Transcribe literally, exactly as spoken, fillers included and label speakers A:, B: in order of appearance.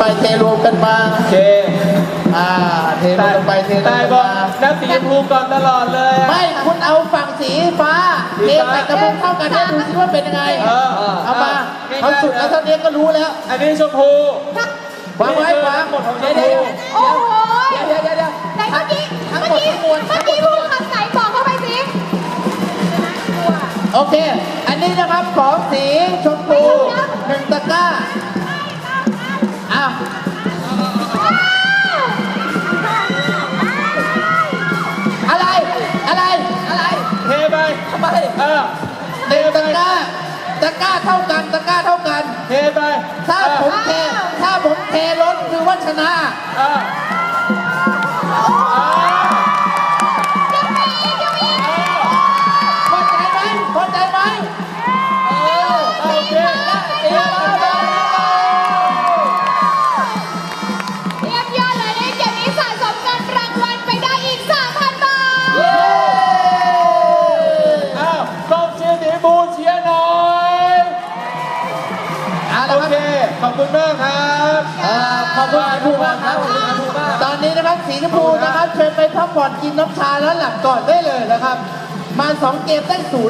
A: เทรวมกันมา
B: โอเค
A: อ่าเทรวมกันไปเทรวม
B: แต่
A: กัน
B: บอก
A: มา
B: นักสีชมพูก่อนตลอดเลย
A: ไม่คุณเอาฝั่งสีฟ้าเทใส่กระปุกเท่ากันให้ดูซิว่าเป็นยังไง
B: เออ
A: เอามาเขาสุดแล้วเท่านี้ก็รู้แล้ว
B: อันนี้ชมพู
A: วางไว้วาง
B: หมดของช
A: เดี๋ยว
B: ม
A: เดี๋
B: พู
A: ยว
C: โอ้โห
A: เดี๋ยวเดี๋ยวเดี๋ยว
C: ไหนเมื่อกี้
A: ทั้ง
C: เมื่อ
A: หมด
C: กี้
A: ทั้งมวล
C: เมื่อกี้พูดคำไหนบอกเข้าไปสิ
A: โอเค อันนี้นะครับของสีชมพูหนึ่งตะกร้าอ้าวอะไรอะไรอะไร
B: เทไป
A: ทำไม
B: เออเท
A: หนึ่ง
B: ไป
A: ตะกร้าตะกร้าเท่ากันตะกร้าเท่ากัน
B: เทไป
A: ถ้าผมเทถ้าผมเทล้นคือว่าชนะ
B: เออ
A: พอใจไหมพอใจไหมเออ
B: โอเค
A: เตรียมมาเลย
C: เยี่ยมยอดเลยในเกมนี้สะสมเงินรางวัลไปได้อีก สามพัน บาท
A: เย้
B: อ้าวกองเชียร์สีชมพูเชียร์หน่อย
A: เอา
B: โอ
A: ละครับ
B: เค ขอบคุณมากครับ
A: เอ่อขอบคุณสีชมพูมากครับตอนนี้นะครับสีชมพูนะครับเชิญไปพักผ่อนกินน้ำชาแล้วหลับก่อนได้เลยนะครับ มาสองเกมได้ศูนย์